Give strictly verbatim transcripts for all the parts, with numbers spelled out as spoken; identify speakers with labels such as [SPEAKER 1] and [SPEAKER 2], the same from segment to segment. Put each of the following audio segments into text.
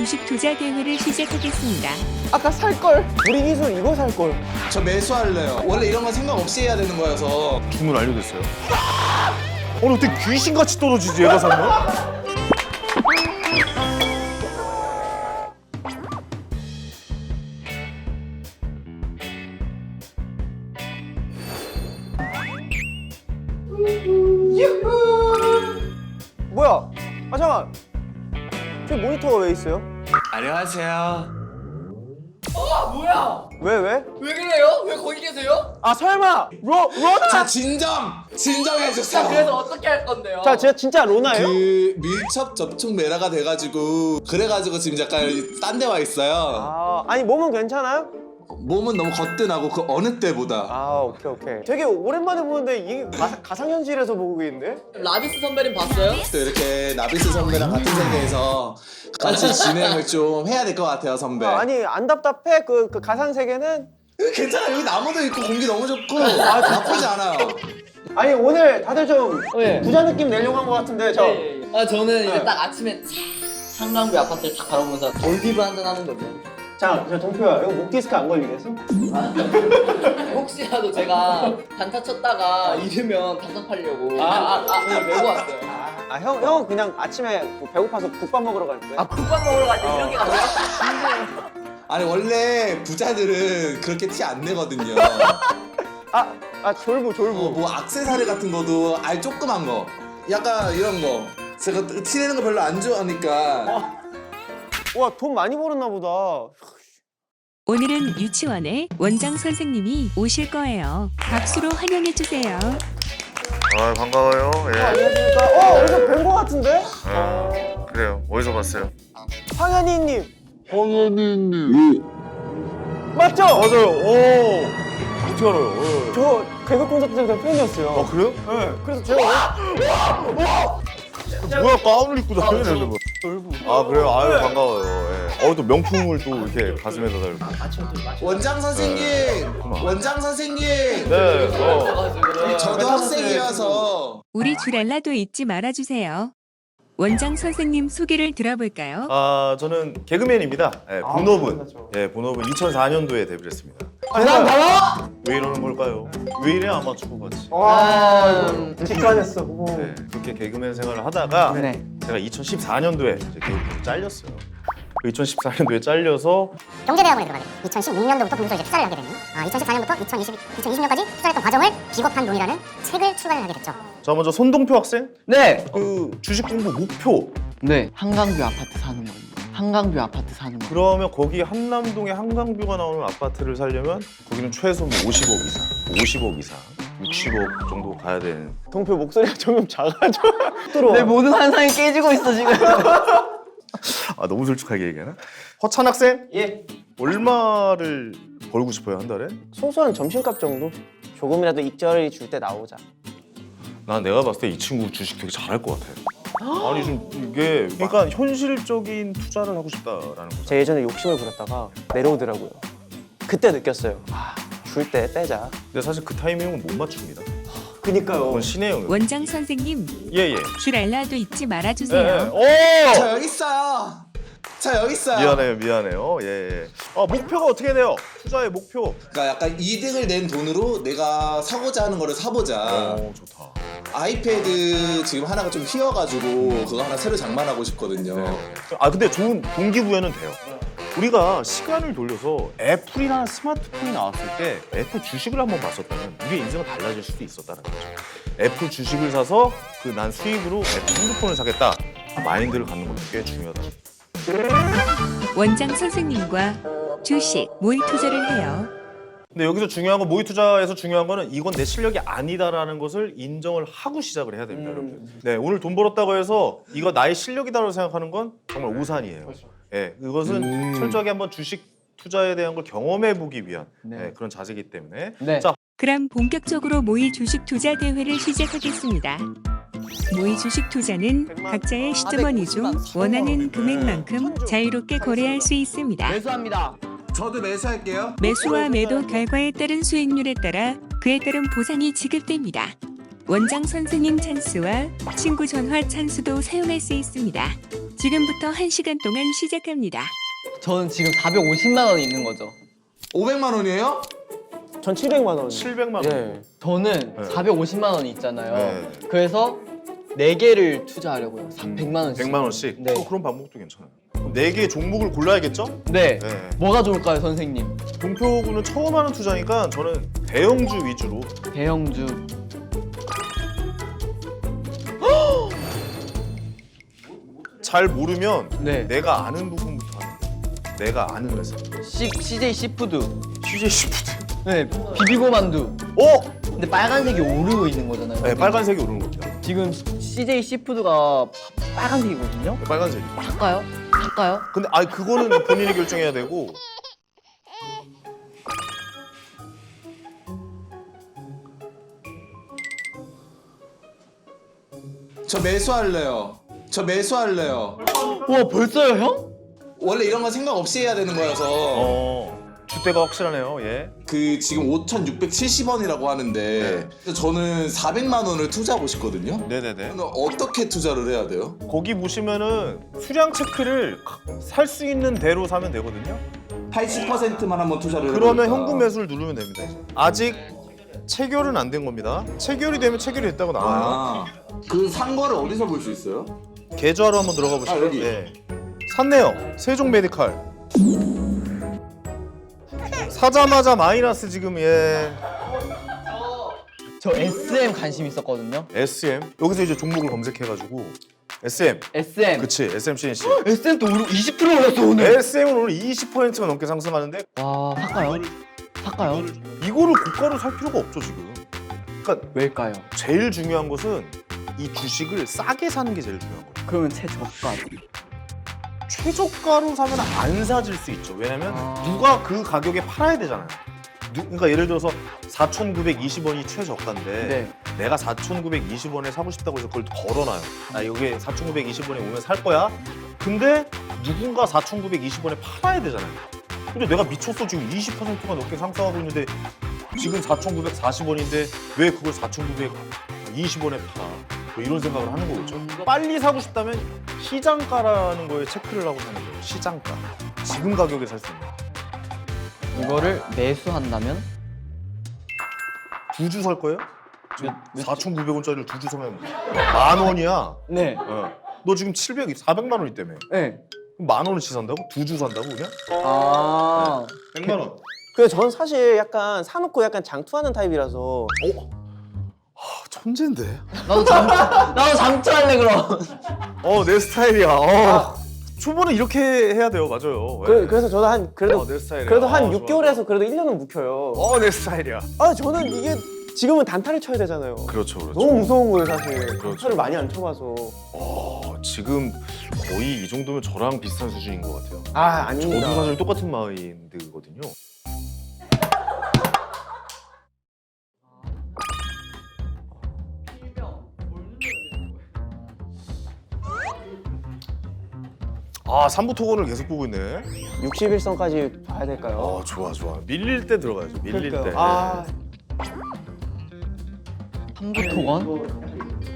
[SPEAKER 1] 주식 투자 대회를 시작하겠습니다.
[SPEAKER 2] 아까 살걸. 우리 기술 이거 살걸.
[SPEAKER 3] 저 매수할래요. 원래 이런 건 생각 없이 해야 되는 거여서.
[SPEAKER 4] 주문 완료됐어요. 아니 어떻게 귀신같이 떨어지지 얘가 사면?
[SPEAKER 2] 뭐야? 아 잠깐. 저 모니터가 왜 있어요?
[SPEAKER 3] 안녕하세요.
[SPEAKER 5] 어 뭐야?
[SPEAKER 2] 왜 왜?
[SPEAKER 5] 왜 그래요? 왜 거기 계세요?
[SPEAKER 2] 아 설마 로 로나?
[SPEAKER 3] 자 진정! 진정해주세요.
[SPEAKER 5] 그래서 어떻게 할 건데요?
[SPEAKER 2] 자 진짜 진짜 로나예요?
[SPEAKER 3] 그 밀접 접촉 메라가 돼가지고 그래가지고 지금 약간 딴 데 와 있어요.
[SPEAKER 2] 아 아니 몸은 괜찮아요?
[SPEAKER 3] 몸은 너무 거뜬하고 그 어느 때보다.
[SPEAKER 2] 아 오케이 오케이. 되게 오랜만에 보는데 이게 가, 가상현실에서 보고 있는데?
[SPEAKER 5] 라비스 선배님 봤어요?
[SPEAKER 3] 또 이렇게 나비스 선배랑 같은 세계에서 같이 진행을 좀 해야 될 것 같아요, 선배.
[SPEAKER 2] 아, 아니 안 답답해? 그, 그 가상 세계는?
[SPEAKER 3] 괜찮아. 여기 나무도 있고 공기 너무 좋고 아, 나쁘지 않아요.
[SPEAKER 2] 아니 오늘 다들 좀
[SPEAKER 5] 네.
[SPEAKER 2] 부자 느낌 내려고 한 것 같은데 저.
[SPEAKER 5] 예, 예. 아 저는 이제
[SPEAKER 2] 네.
[SPEAKER 5] 딱 아침에 한강뷰 아파트를 딱 바라보면서 올디브 한잔 하는 거죠.
[SPEAKER 2] 자, 저 동표야 이거 목 디스크 안 걸리겠어?
[SPEAKER 5] 혹시라도 제가 단타 쳤다가 잃으면 단타 팔려고 아아아 아, 네, 메고 왔어요.
[SPEAKER 2] 아 형 형은 그냥 아침에 뭐 배고파서 국밥 먹으러 갈 거야?
[SPEAKER 5] 아 국밥 먹으러 갈 때 이렇게 가세요?
[SPEAKER 3] 아니 원래 부자들은 그렇게 티 안 내거든요.
[SPEAKER 2] 아, 아 졸부 졸부.
[SPEAKER 3] 어, 뭐 액세서리 같은 거도 알 조그만 거 약간 이런 거 제가 티 내는 거 별로 안 좋아하니까.
[SPEAKER 2] 와 돈 많이 벌었나 보다.
[SPEAKER 1] 오늘은 유치원에 원장 선생님이 오실 거예요. 박수로 환영해 주세요.
[SPEAKER 4] 아 반가워요. 예.
[SPEAKER 2] 아, 안녕하십니까? 어 어디서 뵌 거 같은데?
[SPEAKER 4] 어, 그래요. 어디서 봤어요?
[SPEAKER 2] 황현희님. 황현희님. 맞죠?
[SPEAKER 4] 맞아요. 오. 어떻게 알아요? 예.
[SPEAKER 2] 저 개그 콘서트 때 팬이었어요.
[SPEAKER 4] 아 그래요?
[SPEAKER 2] 네. 그래서 제가
[SPEAKER 4] 뭐야 가운을 입고 다니는 거.
[SPEAKER 2] 졸부.
[SPEAKER 4] 아 그래요? 아유 반가워요. 예. 어 또 명품을 또 이렇게 가슴에다 달고.
[SPEAKER 3] 원장 선생님, 원장 선생님.
[SPEAKER 4] 네. 어.
[SPEAKER 3] 저도 학생이어서
[SPEAKER 1] 우리 주랄라도 잊지 말아주세요. 원장 선생님 소개를 들어볼까요?
[SPEAKER 4] 아 저는 개그맨입니다. 예,
[SPEAKER 2] 아,
[SPEAKER 4] 본업은
[SPEAKER 2] 그렇죠.
[SPEAKER 4] 예 본업은 이천사 년도에 데뷔를 했습니다.
[SPEAKER 2] 대단 달아?
[SPEAKER 4] 왜 이러는 걸까요? 왜 이래 아마추어 같이?
[SPEAKER 2] 와
[SPEAKER 5] 음.
[SPEAKER 2] 직관했어. 오.
[SPEAKER 4] 네, 그렇게 개그맨 생활을 하다가
[SPEAKER 2] 네.
[SPEAKER 4] 제가 이천십사 년도에 이제 개그맨 잘렸어요. 그 이천십사 년도에 잘려서
[SPEAKER 6] 경제대학원에 들어가게 돼요. 이천십육 년도부터 거기서 이제 투자를 하게 되는 아, 이천십사 년부터 이천이십, 이천이십 년까지 투자했던 과정을 비겁한 돈이라는 책을 출간을 하게 됐죠.
[SPEAKER 4] 자 먼저 손동표 학생
[SPEAKER 5] 네.
[SPEAKER 4] 그 주식 공부 목표
[SPEAKER 5] 네. 한강뷰 아파트 사는 겁니다. 한강뷰 아파트 사는 거.
[SPEAKER 4] 그러면 거기 한남동에 한강뷰가 나오는 아파트를 살려면 거기는 최소 뭐 오십억 이상, 오십억 이상, 육십억 정도 가야 되는.
[SPEAKER 2] 동표 목소리가 조금 작아져. 들어와.
[SPEAKER 5] 내 모든 환상이 깨지고 있어 지금.
[SPEAKER 4] 아 너무 솔직하게 얘기하나? 허찬 학생
[SPEAKER 2] 예.
[SPEAKER 4] 얼마를 벌고 싶어요 한 달에?
[SPEAKER 2] 소소한 점심값 정도? 조금이라도 익절이 줄 때 나오자.
[SPEAKER 4] 난 내가 봤을 때 이 친구 주식 되게 잘할 것 같아. 아니 좀 이게 그러니까 현실적인 투자를 하고 싶다라는 거죠.
[SPEAKER 2] 제가 예전에 욕심을 부렸다가 내려오더라고요. 그때 느꼈어요. 아, 줄 때 빼자.
[SPEAKER 4] 근데 사실 그 타이밍은 못 맞춥니다.
[SPEAKER 2] 그니까요.
[SPEAKER 4] 그건 신의 영역.
[SPEAKER 1] 원장 선생님
[SPEAKER 4] 예예.
[SPEAKER 1] 주랄라도 잊지
[SPEAKER 4] 예.
[SPEAKER 1] 말아주세요.
[SPEAKER 4] 오!
[SPEAKER 3] 저 여기 있어요. 저 여기 있어요.
[SPEAKER 4] 미안해요, 미안해요. 예, 예. 아, 목표가 어떻게 돼요? 투자의 목표.
[SPEAKER 3] 그러니까 약간 이득을 낸 돈으로 내가 사고자 하는 거를 사보자.
[SPEAKER 4] 오, 좋다.
[SPEAKER 3] 아이패드 지금 하나가 좀 휘어가지고 그거 하나 새로 장만하고 싶거든요.
[SPEAKER 4] 아, 근데 좋은 동기부여는 돼요. 우리가 시간을 돌려서 애플이라는 스마트폰이 나왔을 때 애플 주식을 한번 봤었다면 우리의 인생은 달라질 수도 있었다는 거죠. 애플 주식을 사서 그 난 수익으로 애플 핸드폰을 사겠다. 마인드를 갖는 것도 꽤 중요하다.
[SPEAKER 1] 원장 선생님과 주식 모의 투자를 해요.
[SPEAKER 4] 근데 여기서 중요한 건 모의 투자에서 중요한 거는 이건 내 실력이 아니다라는 것을 인정을 하고 시작을 해야 됩니다,
[SPEAKER 2] 음.
[SPEAKER 4] 여러분. 네, 오늘 돈 벌었다고 해서 이거 나의 실력이다라고 생각하는 건 정말 오산이에요. 예, 이것은
[SPEAKER 3] 음.
[SPEAKER 4] 철저하게 한번 주식 투자에 대한 걸 경험해 보기 위한
[SPEAKER 5] 네.
[SPEAKER 4] 예, 그런 자세이기 때문에.
[SPEAKER 5] 네.
[SPEAKER 4] 자,
[SPEAKER 1] 그럼 본격적으로 모의 주식 투자 대회를 시작하겠습니다. 모의 주식 투자는 각자의 시드머니 중 원하는 금액만큼 자유롭게 거래할 수 있습니다.
[SPEAKER 5] 매수합니다.
[SPEAKER 3] 저도 매수할게요.
[SPEAKER 1] 매수와 매도 결과에 따른 수익률에 따라 그에 따른 보상이 지급됩니다. 원장 선생님 찬스와 친구 전화 찬스도 사용할 수 있습니다. 지금부터 한 시간 동안 시작합니다.
[SPEAKER 5] 저는 지금 사백오십만 원이 있는 거죠.
[SPEAKER 3] 오백만 원이에요?
[SPEAKER 2] 전 칠백만 원.
[SPEAKER 4] 칠백만 원.
[SPEAKER 2] 예.
[SPEAKER 5] 저는
[SPEAKER 4] 네.
[SPEAKER 5] 사백오십만 원이 있잖아요.
[SPEAKER 4] 네.
[SPEAKER 5] 그래서 네 개를 투자하려고요. 백만 원씩.
[SPEAKER 4] 백만 원씩.
[SPEAKER 5] 네.
[SPEAKER 4] 어, 그런 방법도 괜찮아요. 그럼 네 개의 종목을 골라야겠죠?
[SPEAKER 5] 네.
[SPEAKER 4] 네.
[SPEAKER 5] 뭐가 좋을까요, 선생님?
[SPEAKER 4] 동표구는 처음 하는 투자니까 저는 대형주 위주로.
[SPEAKER 5] 대형주.
[SPEAKER 4] 잘 모르면
[SPEAKER 5] 네.
[SPEAKER 4] 내가 아는 부분부터 하는 거예요. 내가 아는 회사.
[SPEAKER 5] 시, 씨제이 시푸드.
[SPEAKER 4] 씨제이 시푸드.
[SPEAKER 5] 네. 비비고 만두.
[SPEAKER 4] 어?
[SPEAKER 5] 근데 빨간색이 오르고 있는 거잖아요.
[SPEAKER 4] 네, 빨간색이 오르는 겁니다.
[SPEAKER 5] 지금 씨제이 시푸드가 빨간색이거든요.
[SPEAKER 4] 네, 빨간색이.
[SPEAKER 5] 살까요? 살까요?
[SPEAKER 4] 근데 아 그거는 본인이 결정해야 되고.
[SPEAKER 3] 저 매수할래요. 저 매수할래요.
[SPEAKER 5] 와, 벌써요, 형?
[SPEAKER 3] 원래 이런 거 생각 없이 해야 되는 거여서
[SPEAKER 4] 어. 주대가 확실하네요. 예.
[SPEAKER 3] 그 지금 오천육백칠십 원이라고 하는데 저는 사백만 원을 투자하고 싶거든요.
[SPEAKER 4] 네네네.
[SPEAKER 3] 그러면 어떻게 투자를 해야 돼요?
[SPEAKER 4] 거기 보시면은 수량 체크를 살 수 있는 대로 사면 되거든요.
[SPEAKER 3] 팔십 퍼센트만 한번 투자를
[SPEAKER 4] 그러면
[SPEAKER 3] 해보니까.
[SPEAKER 4] 현금 매수를 누르면 됩니다. 이제. 아직 체결은 안 된 겁니다. 체결이 되면 체결이 됐다고 나와요.
[SPEAKER 3] 아, 그 산 거를 어디서 볼 수 있어요?
[SPEAKER 4] 계좌로 한번 들어가 보시죠.
[SPEAKER 3] 아, 여기.
[SPEAKER 4] 네. 샀네요. 세종 메디칼. 사자마자 마이너스 지금 예.
[SPEAKER 5] 저 에스엠 관심 있었거든요.
[SPEAKER 4] 에스엠. 여기서 이제 종목을 검색해가지고 에스엠.
[SPEAKER 5] 에스엠.
[SPEAKER 4] 그치. 에스엠씨엔씨.
[SPEAKER 5] 에스엠 또 오르고 이십 퍼센트 올랐어, 오늘.
[SPEAKER 4] 에스엠은 오늘 이십 퍼센트가 넘게 상승하는데
[SPEAKER 5] 와, 살까요? 살까요?
[SPEAKER 4] 이거를 고가로 살 필요가 없죠 지금. 그러니까
[SPEAKER 5] 왜일까요?
[SPEAKER 4] 제일 중요한 것은 이 주식을 싸게 사는 게 제일 중요한 거예요.
[SPEAKER 5] 그러면 최저가.
[SPEAKER 4] 최저가로 사면 안 사질 수 있죠. 왜냐면
[SPEAKER 5] 아.
[SPEAKER 4] 누가 그 가격에 팔아야 되잖아요. 누, 그러니까 예를 들어서 사천구백이십 원이 최저가인데
[SPEAKER 5] 네.
[SPEAKER 4] 내가 사천구백이십 원에 사고 싶다고 해서 그걸 걸어놔요. 나 여기 사천구백이십 원에 오면 살 거야. 근데 누군가 사천구백이십 원에 팔아야 되잖아요. 근데 내가 미쳤어. 지금 이십 퍼센트가 넘게 상승하고 있는데 지금 사천구백사십 원인데 왜 그걸 사천구백이십 원에 팔아? 뭐 이런 생각을 하는 거겠죠. 빨리 사고 싶다면 시장가라는 거에 체크를 하고 사는 거예요. 시장가. 지금 가격에 살 수 있는.
[SPEAKER 5] 이거를 매수한다면
[SPEAKER 4] 두 주 살 거예요? 지금
[SPEAKER 5] 몇- 몇
[SPEAKER 4] 사천구백 원짜리를 두 주 사면 만 원이야.
[SPEAKER 5] 네.
[SPEAKER 4] 어. 너 지금 칠백, 사백만 원이 때문에.
[SPEAKER 5] 네.
[SPEAKER 4] 만 원어치 산다고? 두 주 산다고 그냥?
[SPEAKER 5] 아.
[SPEAKER 4] 백만 원.
[SPEAKER 2] 그래서 전 사실 약간 사놓고 약간 장투하는 타입이라서
[SPEAKER 4] 어? 아, 천재인데?
[SPEAKER 5] 나도 장투 나도 장투할래 그럼.
[SPEAKER 4] 어, 내 스타일이야. 어. 초보는 이렇게 해야 돼요. 맞아요.
[SPEAKER 2] 그,
[SPEAKER 4] 예.
[SPEAKER 2] 그래서 저도 한 그래도
[SPEAKER 4] 어, 내 스타일이야.
[SPEAKER 2] 그래도 한
[SPEAKER 4] 어,
[SPEAKER 2] 육 개월에서 그래도 일 년은 묵혀요.
[SPEAKER 4] 어, 내 스타일이야.
[SPEAKER 2] 아 저는 이게 지금은 단타를 쳐야 되잖아요.
[SPEAKER 4] 그렇죠, 그렇죠.
[SPEAKER 2] 너무 무서운 거예요 사실.
[SPEAKER 4] 그렇죠.
[SPEAKER 2] 단타를 많이 안 쳐봐서.
[SPEAKER 4] 어, 지금 거의 이 정도면 저랑 비슷한 수준인 것 같아요.
[SPEAKER 2] 아 아닙니다.
[SPEAKER 4] 저도 사실 똑같은 마인드거든요. 아, 삼부 토건을 계속 보고 있네.
[SPEAKER 2] 육십 일선까지 봐야 될까요?
[SPEAKER 4] 어, 좋아, 좋아. 밀릴 때 들어가야죠. 밀릴
[SPEAKER 2] 그러니까요.
[SPEAKER 4] 때.
[SPEAKER 2] 아
[SPEAKER 5] 삼부토건?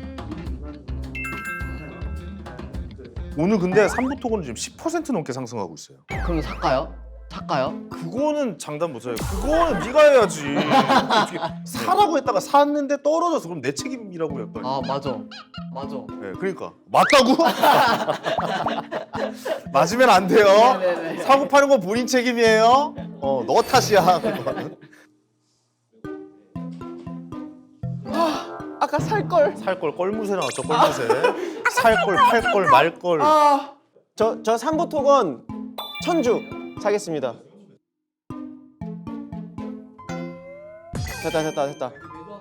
[SPEAKER 4] 오늘 근데 삼부 토건은 지금 십 퍼센트 넘게 상승하고 있어요.
[SPEAKER 5] 그럼 살까요? 살까요?
[SPEAKER 4] 그거는 장담 못해요. 그거는 네가 해야지. 어떻게 사라고 했다가 샀는데 떨어져서 그럼 내 책임이라고 약간.
[SPEAKER 5] 아, 맞아. 맞아.
[SPEAKER 4] 네, 그러니까 맞다고? 맞으면 안 돼요.
[SPEAKER 5] 네네네.
[SPEAKER 4] 사고 파는 건 본인 책임이에요. 어, 너 탓이야. 그거는.
[SPEAKER 2] 아까 살 걸.
[SPEAKER 4] 살 걸 껄무새 나왔죠. 껄무새. 살 걸, 팔 걸, 말 걸.
[SPEAKER 2] 저저 삼부 토건 천주 사겠습니다. 됐다 됐다 됐다.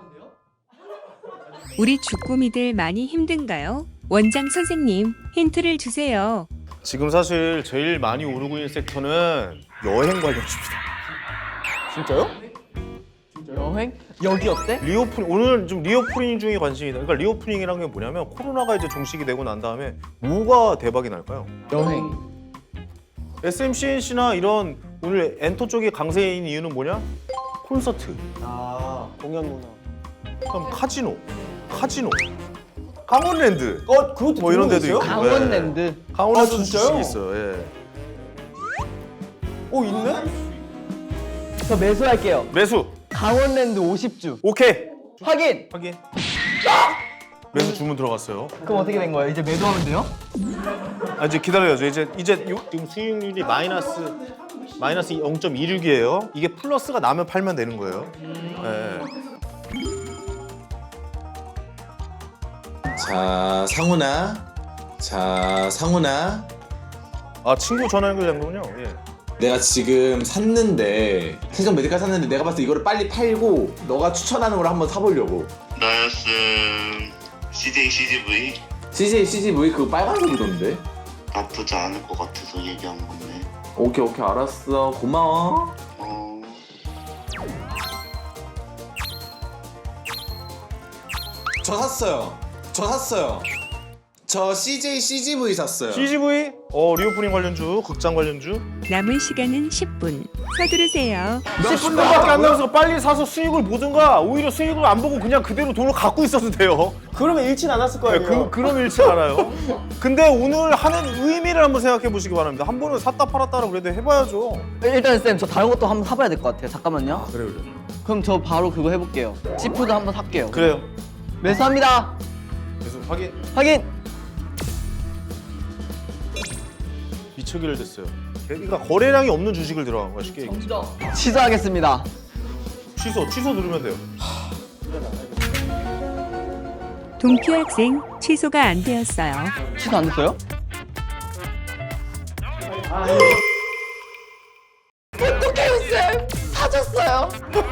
[SPEAKER 1] 우리 주꾸미들 많이 힘든가요? 원장 선생님, 힌트를 주세요.
[SPEAKER 4] 지금 사실 제일 많이 오르고 있는 섹터는 여행 관련주입니다.
[SPEAKER 2] 진짜요?
[SPEAKER 5] 여행? 여기 어때?
[SPEAKER 4] 리오프닝 오늘 좀 리오프닝 중에 관심이 있다. 그러니까 리오프닝이라는 게 뭐냐면 코로나가 이제 종식이 되고 난 다음에 뭐가 대박이 날까요?
[SPEAKER 5] 여행.
[SPEAKER 4] 에스엠씨엔씨나 이런 오늘 엔터 쪽이 강세인 이유는 뭐냐? 콘서트,
[SPEAKER 2] 아 공연 문화.
[SPEAKER 4] 그럼 카지노, 카지노. 강원랜드.
[SPEAKER 7] 어, 그것도
[SPEAKER 4] 뭐 이런 데도
[SPEAKER 7] 있어요?
[SPEAKER 4] 있고.
[SPEAKER 5] 강원랜드.
[SPEAKER 4] 예. 강원랜드
[SPEAKER 7] 아, 진짜요?
[SPEAKER 4] 주식이 있어요. 예.
[SPEAKER 7] 어, 있네?
[SPEAKER 5] 저 매수할게요.
[SPEAKER 4] 매수.
[SPEAKER 5] 강원랜드 오십 주.
[SPEAKER 4] 오케이.
[SPEAKER 5] 확인.
[SPEAKER 4] 확인. 매수 주문 들어갔어요.
[SPEAKER 5] 그럼 어떻게 된 거예요? 이제 매도하면 돼요?
[SPEAKER 4] 아 이제 기다려야죠. 이제 이제 요, 지금 수익률이 마이너스 마이너스 영 점 이육이에요. 이게 플러스가 나면 팔면 되는 거예요. 예.
[SPEAKER 3] 자 상훈아, 자 상훈아,
[SPEAKER 4] 아 친구 전화 연결된 거군요. 예.
[SPEAKER 3] 내가 지금 샀는데 세정 메디칼 샀는데 내가 봤을 때 이거를 빨리 팔고 너가 추천하는 걸 한번 사보려고.
[SPEAKER 8] 나였음 씨제이 씨지브이
[SPEAKER 3] 씨제이 씨지브이 그거 빨간색이던데.
[SPEAKER 8] 나쁘지 않을 것 같아서 얘기한 건데.
[SPEAKER 3] 오케이 오케이 알았어 고마워.
[SPEAKER 8] 어...
[SPEAKER 3] 저 샀어요. 저 샀어요. 저 씨제이 씨지브이 샀어요.
[SPEAKER 4] 씨지브이 어 리오프닝 관련주, 극장 관련주.
[SPEAKER 1] 남은 시간은 십 분. 서두르세요.
[SPEAKER 4] 십 분밖에 안 남아서 빨리 사서 수익을 보든가 오히려 수익을 안 보고 그냥 그대로 돈을 갖고 있어도 돼요.
[SPEAKER 7] 그러면 잃진 않았을 거예요.
[SPEAKER 4] 네, 그 그럼 잃지 않아요. 근데 오늘 하는 의미를 한번 생각해 보시기 바랍니다. 한 번은 샀다 팔았다를 그래도 해봐야죠.
[SPEAKER 5] 일단 쌤, 저 다른 것도 한번 사봐야 될 것 같아요. 잠깐만요.
[SPEAKER 4] 그래 그래.
[SPEAKER 5] 그럼 저 바로 그거 해볼게요. 시푸드 한번 살게요.
[SPEAKER 4] 그래요.
[SPEAKER 5] 매수합니다.
[SPEAKER 4] 그래서 확인.
[SPEAKER 5] 확인.
[SPEAKER 4] 미쳐기를 됐어요. 그러니까 거래량이 없는 주식을 들어간 거야 쉽게 얘기해서.
[SPEAKER 5] 취소하겠습니다.
[SPEAKER 4] 취소 취소 누르면 돼요.
[SPEAKER 1] 동표 학생 취소가 안 되었어요.
[SPEAKER 5] 취소 안 됐어요? 어떡해요 쌤! 사줬어요.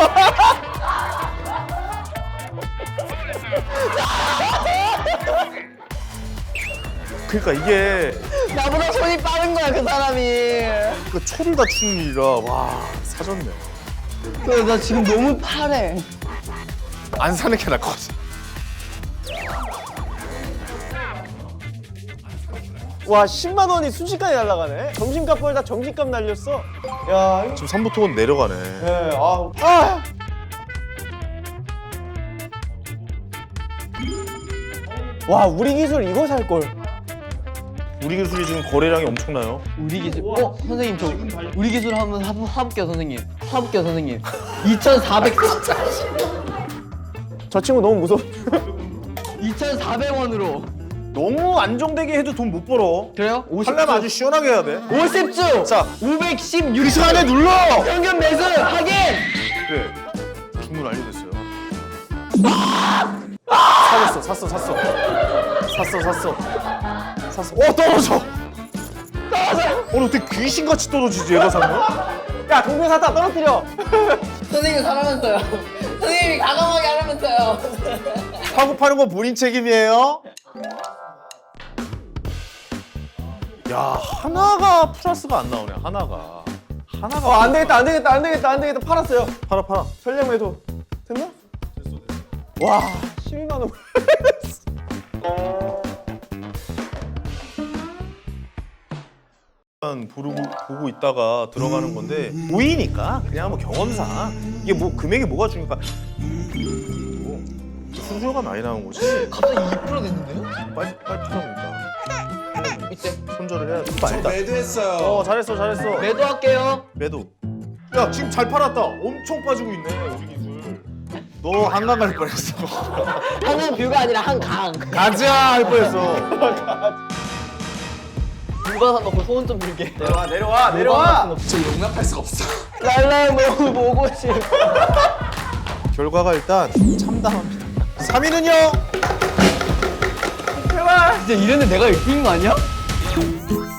[SPEAKER 4] 그러니까 이게
[SPEAKER 5] 나보다 손이 빠른 거야 그 사람이.
[SPEAKER 4] 그 초를 다치는 일이라 와 사졌네.
[SPEAKER 5] 그래, 나 지금 너무 파래.
[SPEAKER 4] 안 사는 게 나을 것 같아.
[SPEAKER 7] 와, 십만 원이 순식간에 날아가네. 점심값보다 점심값 날렸어. 야, 이거.
[SPEAKER 4] 지금 삼부토건 내려가네.
[SPEAKER 7] 네, 아, 아. 와, 우리 기술 이거 살 걸.
[SPEAKER 4] 우리 기술이 지금 거래량이 엄청나요.
[SPEAKER 5] 우리 기술. 어 선생님 저 우리 기술 한번 사, 사볼게요 선생님. 사볼게요 선생님. 이천사백.
[SPEAKER 7] 저 친구 너무 무서워.
[SPEAKER 5] 이천사백 원으로.
[SPEAKER 4] 너무 안정되게 해도 돈 못 벌어.
[SPEAKER 5] 그래요? 오십 주.
[SPEAKER 4] 하려면 아주 시원하게 해야 돼.
[SPEAKER 5] 오십 주.
[SPEAKER 4] 자,
[SPEAKER 5] 오백십육
[SPEAKER 4] 이 시간에 눌러.
[SPEAKER 5] 평균 매수 확인.
[SPEAKER 4] 그래. 주문 완료됐어요. 사줬어, 샀어, 샀어. 샀어, 샀어. 샀어. 어, 떨어져. 떨어져. 오늘 어떻게 귀신같이 떨어지지, 얘가 사면?
[SPEAKER 7] 야, 동네 사다 떨어뜨려.
[SPEAKER 5] 선생님 사랑하면서요. 선생님이 과감하게 하라면서요.
[SPEAKER 4] 사고 파는 건 본인 책임이에요. 야, 하나가 플러스가 안 나오네, 하나가. 하나가.
[SPEAKER 7] 어, 안 되겠다, 안 되겠다, 안 되겠다, 안 되겠다. 팔았어요.
[SPEAKER 4] 팔아, 팔아.
[SPEAKER 7] 전략 매도. 됐나? 됐어, 됐어. 와, 십이만 원.
[SPEAKER 4] 보고, 보고 있다가 들어가는 건데 보이니까 그냥 뭐 경험상 이게 뭐 금액이 뭐가 중요할까 수수료가 많이 나온 거지.
[SPEAKER 5] 갑자기 이 퍼센트 됐는데요?
[SPEAKER 4] 빨리 빨리 팔아보니까
[SPEAKER 5] 이때
[SPEAKER 4] 손절을 해야 돼.
[SPEAKER 3] 저
[SPEAKER 4] 알다.
[SPEAKER 3] 매도했어요.
[SPEAKER 4] 어 잘했어 잘했어.
[SPEAKER 5] 매도할게요.
[SPEAKER 4] 매도. 야 지금 잘 팔았다. 엄청 빠지고 있네 우리 기술. 너 한강 갈 뻔했어.
[SPEAKER 5] 한강 뷰가 아니라 한강.
[SPEAKER 4] 가자 할 뻔했어.
[SPEAKER 5] 불가산 넣고 소원 좀 빌게.
[SPEAKER 7] 내려와, 내려와, 내려와.
[SPEAKER 3] 저 용납할 수가 없어.
[SPEAKER 5] 랄랄 너무 보고 싶어.
[SPEAKER 4] 결과가 일단 참담합니다. 삼 위는요?
[SPEAKER 5] 진짜 이랬는데 내가 일 등인 거 아니야?